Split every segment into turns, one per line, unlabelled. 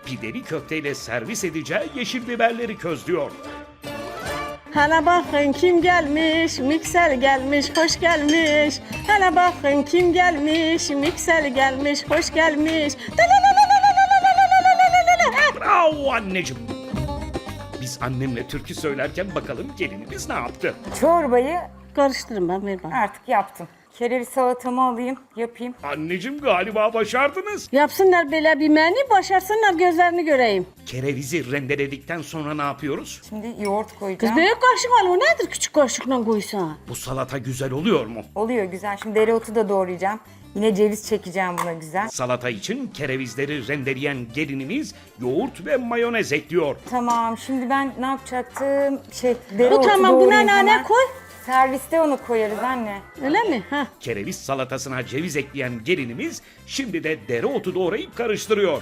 pideli köfteyle servis edeceği yeşil biberleri közlüyor.
Hele bakın kim gelmiş, mikser gelmiş, hoş gelmiş. Hele bakın kim gelmiş, mikser gelmiş, hoş gelmiş.
Bravo anneciğim. Biz annemle türkü söylerken bakalım gelinimiz ne yaptı?
Çorbayı
Karıştırın ben ver bana.
artık yaptım. Kereviz salatamı alayım, yapayım.
Anneciğim galiba başardınız.
Yapsınlar böyle bir menü, başarsınlar gözlerini göreyim.
Kerevizi rendeledikten sonra ne yapıyoruz?
Şimdi yoğurt
Kız
koyacağım.
büyük kaşık al, o nedir küçük kaşıkla koysan?
Bu salata güzel oluyor mu?
Oluyor güzel. Şimdi dereotu da doğrayacağım. Yine ceviz çekeceğim buna güzel.
Salata için kerevizleri rendeleyen gelinimiz yoğurt ve mayonez ekliyor.
Tamam, şimdi ben ne yapacaktım?
Bu
Dereotu
tamam, buna
doğrayayım
nane
hemen.
koy.
Serviste onu koyarız anne.
Öyle mi? Ha.
Kereviz salatasına ceviz ekleyen gelinimiz şimdi de dereotu doğrayıp karıştırıyor.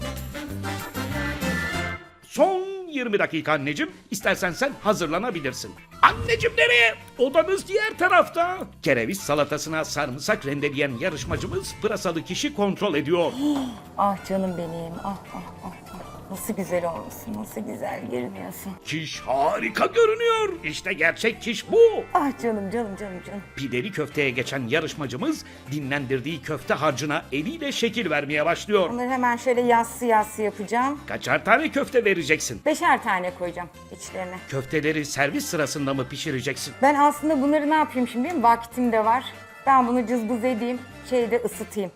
Son 20 dakika anneciğim. İstersen sen hazırlanabilirsin. Anneciğim nereye? Odanız diğer tarafta. Kereviz salatasına sarımsak rendeleyen yarışmacımız pırasalı kişi kontrol ediyor.
Ah canım benim. Ah ah ah. ah. Nasıl güzel olmuşsun, nasıl güzel görünüyorsun.
Kiş harika görünüyor. İşte gerçek kiş bu.
Ah canım canım canım canım.
Pideli köfteye geçen yarışmacımız dinlendirdiği köfte harcına eliyle şekil vermeye başlıyor.
Bunları hemen şöyle yassı yassı yapacağım.
Kaçar tane köfte vereceksin?
5'er tane koyacağım içlerine.
Köfteleri servis sırasında mı pişireceksin?
Ben aslında bunları ne yapayım şimdi? Vaktim de var. Ben bunu cızbız edeyim, şeyde ısıtayım.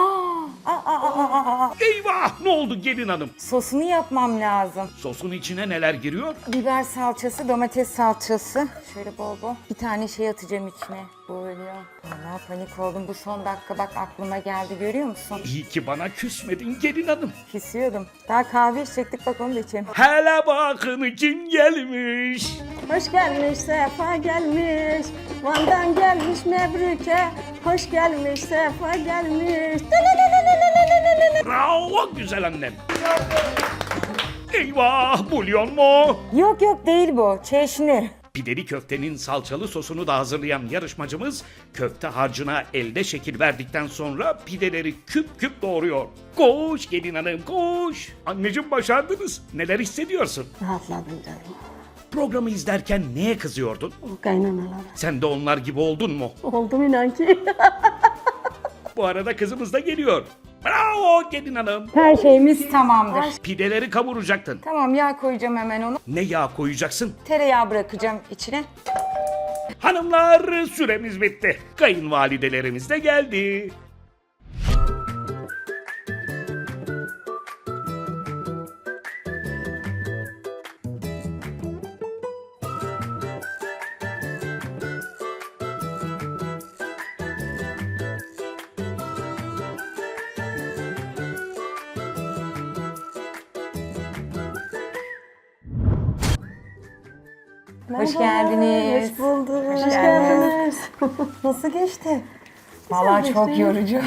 Eyvah, ne oldu gelin hanım?
Sosunu yapmam lazım.
Sosun içine neler giriyor?
Biber salçası, domates salçası. Şöyle bol bol. Bir tane şey atacağım içine. Böyle. Valla panik oldum. Bu son dakika bak aklıma geldi. Görüyor musun?
İyi ki bana küsmedin gelin hanım.
Küsüyordum. Daha kahve içecektik, bak onu da içelim.
Hele bakın kim gelmiş.
Hoş gelmiş, sefa gelmiş. Van'dan gelmiş Mebruke. Hoş gelmiş, sefa gelmiş.
Bravo güzel annem. Eyvah, bulyon mu?
Yok yok değil bu. Çeşni.
Pideli köftenin salçalı sosunu da hazırlayan yarışmacımız köfte harcına elde şekil verdikten sonra pideleri küp küp doğruyor. Koş gelin hanım koş. Anneciğim başardınız. Neler hissediyorsun?
Rahatladım canım.
Programı izlerken neye kızıyordun?
O kaynanalara.
Sen de onlar gibi oldun mu?
Oldum inan ki.
Bu arada kızımız da geliyor. Bravo gelin hanım.
Her şeyimiz tamamdır.
Pideleri kavuracaktın.
Tamam, yağ koyacağım hemen onu.
Ne yağ koyacaksın?
Tereyağı bırakacağım içine.
Hanımlar süremiz bitti. Kayınvalidelerimiz de geldi.
Hoş geldiniz.
Hoş bulduk. Hoş
geldiniz.
geldiniz.
Nasıl geçti? Vallahi çok yorucu.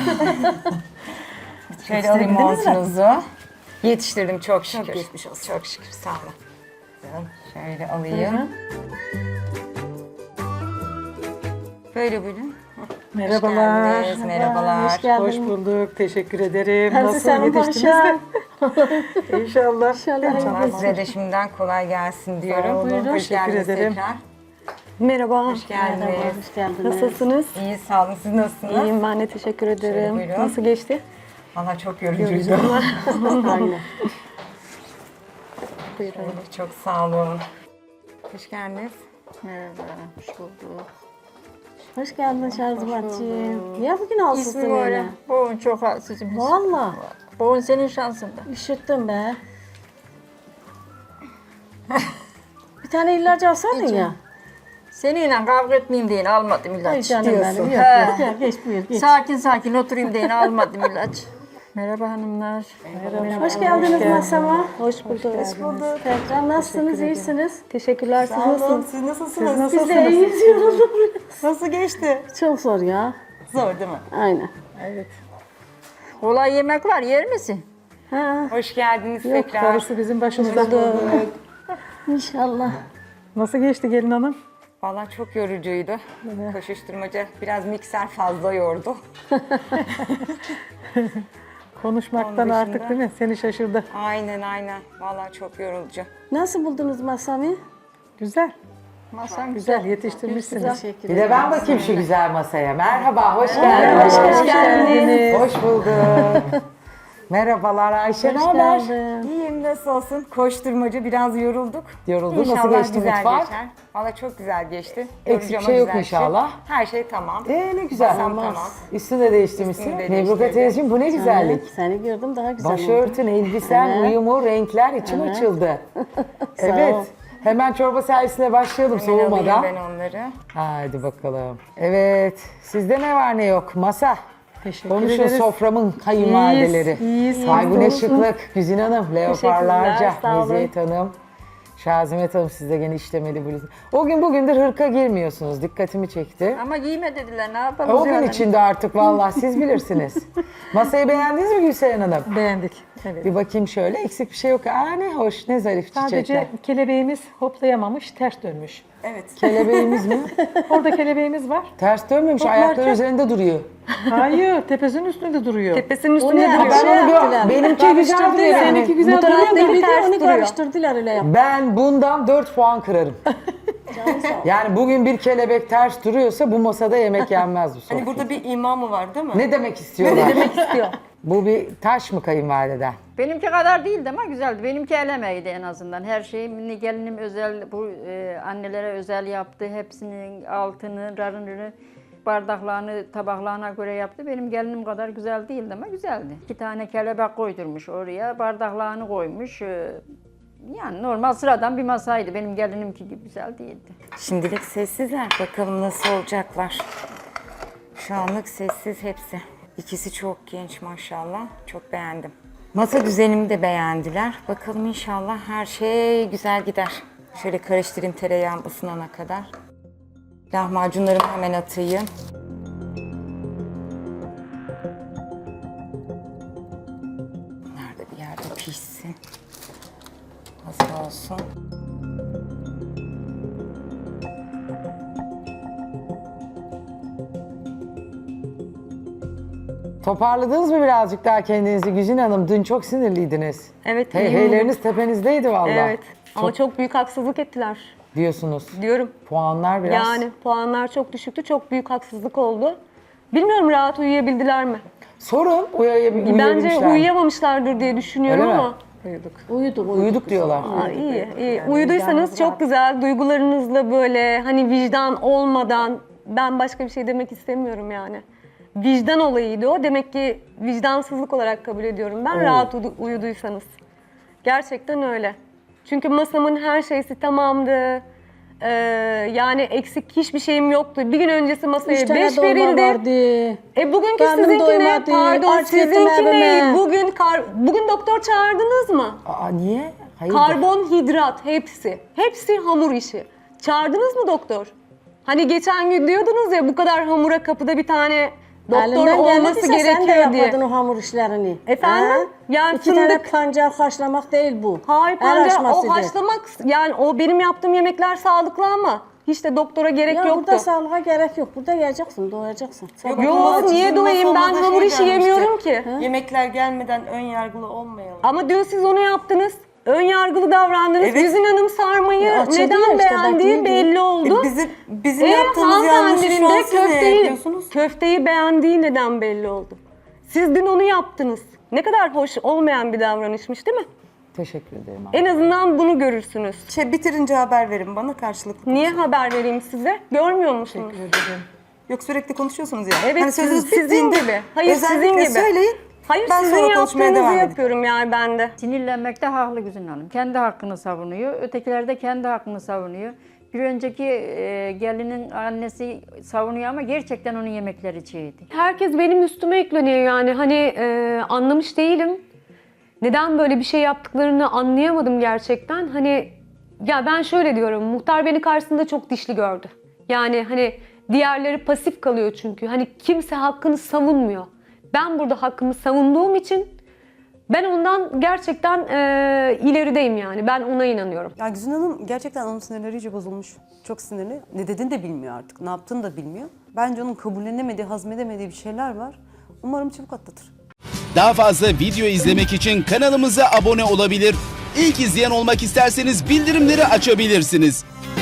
Şöyle alayım montunuzu. Yetiştirdim çok şükür. Çok geçmiş olsun. Çok şükür, sağ olun. Şöyle alayım. Böyle buyurun.
Merhabalar.
Hoş geldiniz, merhabalar.
Hoş geldin.
Hoş bulduk. Teşekkür ederim.
Hepsi
Nasıl
senin
yetiştiniz
paşa.
de? İnşallah.
İnşallah.
Allah size de şimdiden kolay gelsin diyorum.
olun,
Buyurun. Hoş
teşekkür
geldiniz
ederim.
tekrar.
Merhaba.
Hoş geldiniz.
Hoş geldiniz.
Nasılsınız?
İyi, sağ olun. Siz nasılsınız?
İyiyim, ben de teşekkür ederim.
buyurun.
Nasıl geçti?
Valla çok yorucuydu.
Aynen.
Buyurun.
Çok sağ olun. Hoş geldiniz.
Merhaba. Hoş bulduk. Hoş geldin Şarjıbatçığım. Ya bugün alsızsın
İsmi var
öyle.
ya. Boğun çok halsizim.
Valla.
Boğun senin şansında.
Üşüttüm be. Bir tane ilaç alsaydın ya.
Seninle kavga etmeyeyim diye almadım
Ay
ilaç.
canım
diyorsun.
benim. Yok
He.
yok gel geç buyur geç.
Sakin sakin oturayım diye almadım ilaç. Merhaba hanımlar.
Hoş geldiniz masama.
Hoş bulduk.
Hoş bulduk. Tekrar nasılsınız? İyisiniz?
Teşekkürler. Siz nasılsınız?
Siz nasılsınız?
Biz de iyiyiz yoruldum.
Nasıl geçti?
Çok zor ya.
Zor değil mi?
Aynen.
Kolay yemek var, yer misin?
Ha,
Hoş geldiniz
Yok,
tekrar.
Karısı bizim başımızda.
inşallah.
Nasıl geçti gelin hanım?
Vallahi çok yorucuydu. Koşuşturmaca, biraz mikser fazla yordu.
Konuşmaktan
Onun
artık
dışında-
değil mi? Seni şaşırdı.
Aynen aynen. Vallahi çok yorucu.
Nasıl buldunuz masamı?
Güzel.
Masam
Güzel yetiştirmişsiniz.
Teşekkür
Bir de ben bakayım şu güzel masaya. Merhaba, hoş geldiniz.
Hoş geldiniz.
Hoş bulduk. Merhabalar Ayşe, ne
Hoş
haber?
geldin.
İyiyim nasıl olsun? Koşturmacı biraz yorulduk.
Yoruldun, nasıl
İnşallah
geçti
güzel
mutfak?
geçer. Valla çok güzel geçti.
Eksik
Yorucu
şey
ama
yok
güzel
inşallah.
Her şey tamam.
Ne güzel.
Masam tamam.
Üstünü de değiştirmişsin.
Üstünü de
Nebruka
değiştirdim.
teyzeciğim bu ne güzellik.
Evet, seni gördüm daha güzel oldu.
Başörtün, elbisen,
Evet.
uyumu, renkler içim
Evet.
açıldı.
Sağ
Evet.
ol.
Hemen çorba servisine başlayalım
Hemen alayım
soğumadan.
ben onları.
Hadi bakalım. Evet. Sizde ne var ne yok? Masa.
Teşekkür
Konuşun
ederiz.
soframın kayınvalideleri.
İyiyiz.
Ay bu ne şıklık. Güzin Hanım, leoparlarca.
Teşekkürler, sağ olun.
Meziyet Hanım. Şazimet Hanım sizde gene işlemeli bluz. O gün bugündür hırka girmiyorsunuz. Dikkatimi çekti.
Ama giyme dediler ne yapalım?
O gün içinde artık vallahi siz bilirsiniz. Masayı beğendiniz mi Gülseren Hanım?
Beğendik. Evet.
Bir bakayım şöyle. Eksik bir şey yok. Aa ne hoş, ne zarif çiçekler.
Sadece kelebeğimiz hoplayamamış, ters dönmüş.
Kelebeğimiz mi?
Orada kelebeğimiz var.
Ters dönmemiş,
Toplarken-
ayakları üzerinde duruyor.
Hayır, tepesinin üstünde duruyor.
Tepesinin
O
üstünde
ne?
duruyor.
Ben onu
yaptılar.
gör. Benimki güzel duruyor.
Karıştırdılar.
Seninki güzel
Bu
duruyor da
taraftaki
bir
de
ters
onu
duruyor.
karıştırdılar öyle yap.
Ben bundan 4 puan kırarım. Yani bugün bir kelebek ters duruyorsa bu masada yemek yenmez bu sofra.
Hani burada bir ima mı var değil mi?
Ne demek istiyorlar?
Ne demek istiyor?
Bu bir taş mı kayınvalideden?
Benimki kadar değildi ama güzeldi. Benimki el emeğiydi en azından. Her şeyi gelinim özel, bu annelere özel yaptı. Hepsinin altını, rarını, bardaklarını, tabaklarına göre yaptı. Benim gelinim kadar güzel değildi ama güzeldi. 2 tane kelebek koydurmuş oraya, bardaklarını koymuş. Yani normal sıradan bir masaydı. Benim gelinimki gibi güzel değildi.
Şimdilik sessizler. Bakalım nasıl olacaklar. Şu anlık sessiz hepsi. İkisi çok genç maşallah. Çok beğendim. Masa düzenimi de beğendiler. Bakalım inşallah her şey güzel gider. Şöyle karıştırayım tereyağım ısınana kadar. Lahmacunlarımı hemen atayım. Bunlar da bir yerde pişsin. Hazır olsun.
Toparladınız mı birazcık daha kendinizi Güzin Hanım? Dün çok sinirliydiniz.
Evet.
Hey,
iyiyim.
heyleriniz tepenizdeydi vallahi.
Evet. Ama çok büyük haksızlık ettiler
Diyorsunuz.
diyorum.
Puanlar biraz.
Yani puanlar çok düşüktü. Çok büyük haksızlık oldu. Bilmiyorum rahat uyuyabildiler mi?
Sorun
Bence
uyuyabilmişler.
uyuyamamışlardır diye düşünüyorum
Öyle mi?
ama.
Uyuduk diyorlar.
Aa, iyi. Uyuduysanız çok güzel. Duygularınızla böyle hani vicdan olmadan ben başka bir şey demek istemiyorum yani. Vicdan olayıydı o. Demek ki vicdansızlık olarak kabul ediyorum ben. Rahat uyuduysanız. Gerçekten öyle. Çünkü masamın her şeysi tamamdı. Yani eksik hiçbir şeyim yoktu. Bir gün öncesi masaya
3 tane
5
dolma
verildi.
vardı.
Bugünkü
Karnım
sizinki ne?
doymadı.
Pardon
Aç gittim
sizinki ne?
evime.
Bugün doktor çağırdınız mı?
Aa niye? Hayır.
Karbonhidrat hepsi. Hepsi hamur işi. Çağırdınız mı doktor? Hani geçen gün diyordunuz ya bu kadar hamura kapıda bir tane doktor
Elinden
olması
geldiyse sen de
gerekiyor diye.
yapmadın o hamur işlerini.
Efendim?
Ha?
Yani
2 tane
fındık-
pancar haşlamak değil bu.
Hayır
El
pancar o
açmasıdır.
haşlamak yani o benim yaptığım yemekler sağlıklı ama hiç de doktora gerek
Ya
yoktu.
burada sağlığa gerek yok. Burada yiyeceksin, doyacaksın. Sabah
Yok niye doyayım ben hamur işi yemiyorum ki.
Yemekler gelmeden ön yargılı olmayalım.
Ama dün siz onu yaptınız. Ön yargılı davrandınız.
Evet.
Güzin Hanım sarmayı
Açıldı
neden
ya işte,
beğendiği
bak,
belli oldu.
Bizim yaptığımız yanlışı
hanımefendinin
şu an
de
siz ne yapıyorsunuz?
köfteyi beğendiği neden belli oldu. Siz dün onu yaptınız. Ne kadar hoş olmayan bir davranışmış değil mi?
Teşekkür ederim.
En azından bunu görürsünüz.
Bitirince haber verin bana karşılıklı.
Niye haber vereyim size? Görmüyor musunuz?
Yok sürekli konuşuyorsunuz ya.
Evet
Hani sözünüz
sizin
bittiğinde
gibi. Hayır sizin
özellikle
gibi.
söyleyin.
Hayır
Ben
sizin
sonra konuşmaya
yaptığınızı
devam edeyim.
yapıyorum yani ben de.
Sinirlenmekte haklı Güzin Hanım. Kendi hakkını savunuyor. Ötekiler de kendi hakkını savunuyor. Bir önceki gelinin annesi savunuyor ama gerçekten onun yemekleri çiğdi.
Herkes benim üstüme yükleniyor yani hani anlamış değilim. Neden böyle bir şey yaptıklarını anlayamadım gerçekten. Hani ya ben şöyle diyorum muhtar beni karşısında çok dişli gördü. Yani hani diğerleri pasif kalıyor çünkü. Hani kimse hakkını savunmuyor. Ben burada hakkımı savunduğum için ben ondan gerçekten ilerideyim yani. Ben ona inanıyorum.
Ya Güzin Hanım gerçekten onun sinirleri iyice bozulmuş. Çok sinirli. Ne dediğini de bilmiyor artık. Ne yaptığını da bilmiyor. Bence onun kabullenemediği, hazmedemediği bir şeyler var. Umarım çabuk atlatır.
Daha fazla video izlemek için kanalımıza abone olabilir. İlk izleyen olmak isterseniz bildirimleri açabilirsiniz.